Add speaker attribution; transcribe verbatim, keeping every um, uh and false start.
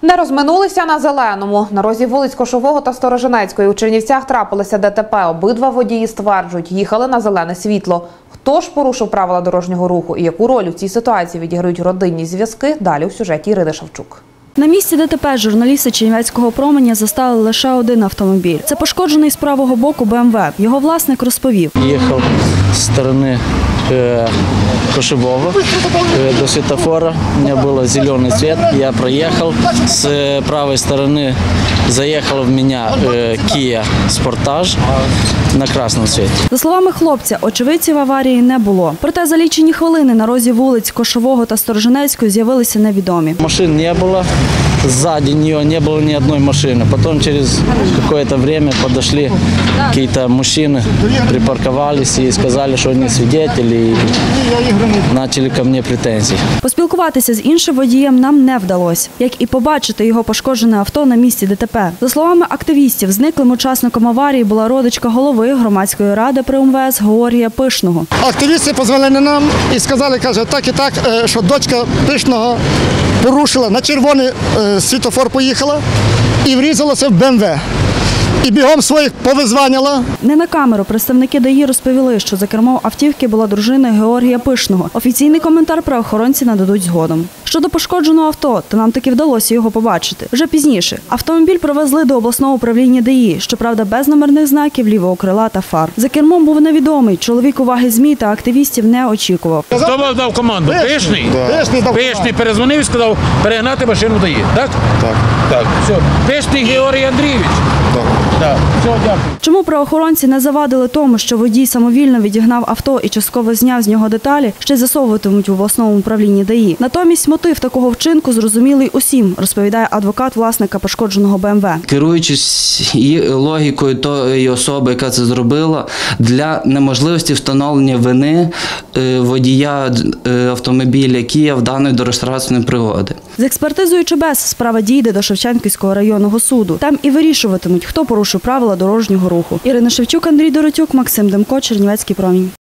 Speaker 1: Не розминулися на зеленому. На розі вулиць Кошового та Сторожинецької у Чернівцях трапилося ДТП. Обидва водії стверджують, їхали на зелене світло. Хто ж порушив правила дорожнього руху і яку роль у цій ситуації відіграють родинні зв'язки, далі у сюжеті Ірини Шевчук.
Speaker 2: На місці ДТП журналісти Чернівецького променя застали лише один автомобіль. Це пошкоджений з правого боку Б М В. Його власник розповів.
Speaker 3: Їхав з сторони э, Кошевого э, до светофора. У меня был зеленый цвет. Я проехал. С правой стороны заехал в меня э, Kia Sportage на красному цвіті.
Speaker 2: За словами хлопця, очевидців аварії не було. Проте за лічені хвилини на розі вулиць Кошового та Сторожинецької з'явилися невідомі.
Speaker 3: Машин не було. Сзади нее не было ни одной машины. Потом через какое-то время подошли какие-то мужчины, припарковались и сказали, что они свидетели, и начали ко мне претензии.
Speaker 2: Поспілкуватися з іншим водієм нам не вдалося, як і побачити його пошкоджене авто на місці ДТП. За словами активістів, зниклим учасником аварії була родичка голови громадської ради при М В С Георгія Пишного.
Speaker 4: Активісти подзвонили нам і сказали, каже, так і так, що дочка Пишного порушила, на червоний світлофор поїхала і врізалася в Б М В. І бігом своїх повизванила.
Speaker 2: Не на камеру представники Д А І розповіли, що за кермом автівки була дружина Георгія Пишного. Офіційний коментар правоохоронці нададуть згодом. Щодо пошкодженого авто, то нам таки вдалося його побачити. Вже пізніше. Автомобіль провезли до обласного управління Д А І, щоправда, без номерних знаків, лівого крила та фар. За кермом був невідомий. Чоловік уваги ЗМІ та активістів не очікував.
Speaker 5: Хто вам дав команду? Пишний?
Speaker 4: Пишний дав
Speaker 5: Пишний перезвонив і сказав перегнати машину Д А І, так?
Speaker 6: Так.
Speaker 5: Так. Все. Пишний Георгій Андрійович?
Speaker 6: Так.
Speaker 5: Так. Все, дякую.
Speaker 2: Чому правоохоронці не завадили тому, що водій самовільно відігнав авто і частково зняв з нього деталі, ще з'ясовуватимуть в обласному управлінні Д А І. Натомість мотив такого вчинку зрозумілий усім, розповідає адвокат власника пошкодженого Б М В.
Speaker 7: Керуючись логікою тої особи, яка це зробила, для неможливості встановлення вини водія автомобіля Kia в даної дорожньо-транспортної пригоди.
Speaker 2: З експертизою ЧБЕС справа дійде до Шевченківського районного суду. Там і вирішуватимуть, хто порушив правила дорожнього руху. Ірина Шевчук, Андрій Доротюк, Максим Демко, Чернівецький промінь.